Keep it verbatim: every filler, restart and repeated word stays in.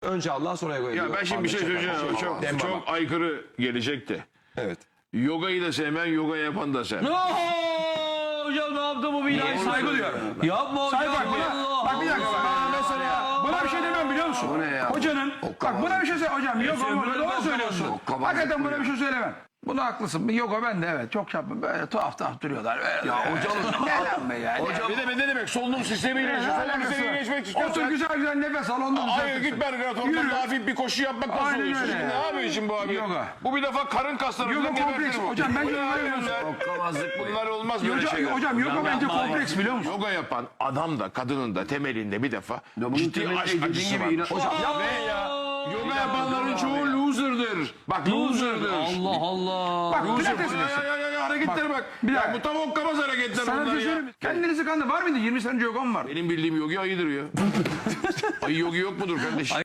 Önce Allah sonra yoga. Ya ben şimdi bir şey söyleyeceğim. O çok, Demba. çok aykırı gelecekti. Evet. Yogayı da sevmem, yoga yapan da sevmem. Ooo hocam ne yaptı bu binayı? Saygı duyuyorum. Yapma hocam. Say bak buna, bak bir dakika. Bana mesela buna bir şey demem biliyor musun? Bu ne ya? Hocanın, bak buna bir şey söyle hocam. Yoga söylüyorum, moga doğru ben söylüyorsun. Okkabazlık Hakikaten bu buna ya. bir şey söylemem. Buna haklısın. Yoga ben de evet çok yapmam. Böyle tuhaf tuhaf duruyorlar. Böyle. Ya hocam. Ne be ya? Hocam bir de bir de demek solunum sistemiyle yaşıyor. Solunum sistemiyle geçmek istiyorsan. Otur güzel güzel nefes al ondan Hayır git Belgrad'a hafif bir koşu yapmak nasıl Aynen oluyor? öyle. Şimdi ne yapıyor şimdi bu abi? Yoga. Bu bir defa karın kasları. Yoga falan kompleks. gebertir bu. Hocam bence Bu ne yoga abi yapıyorsun. bunlar? Okkabazlık bu. Bunlar olmaz böyle Hocam, şeyler. hocam yoga bence yapma kompleks biliyor musun? Yoga yapan adam da kadının da temelinde bir defa bunun ciddi temelinde aşk dediğin acısı gibi var. inan- Hocam ve ya yoga yapanların çoğu loser'dır. Bak loser'dır. Allah Allah. Bak Loser. pilates Ya, mesela. ya, ya, ya, hareketlere bak. bir Ya dakika. bu tam okkabaz hareketler Sana bir bunlar şey ya. söyleyeyim mi? Kendinizi kandı. Var mıydı? yirmi sene önce yogam var. Benim bildiğim yogi ayıdır ya. Ayı yogi yok mudur kardeşim?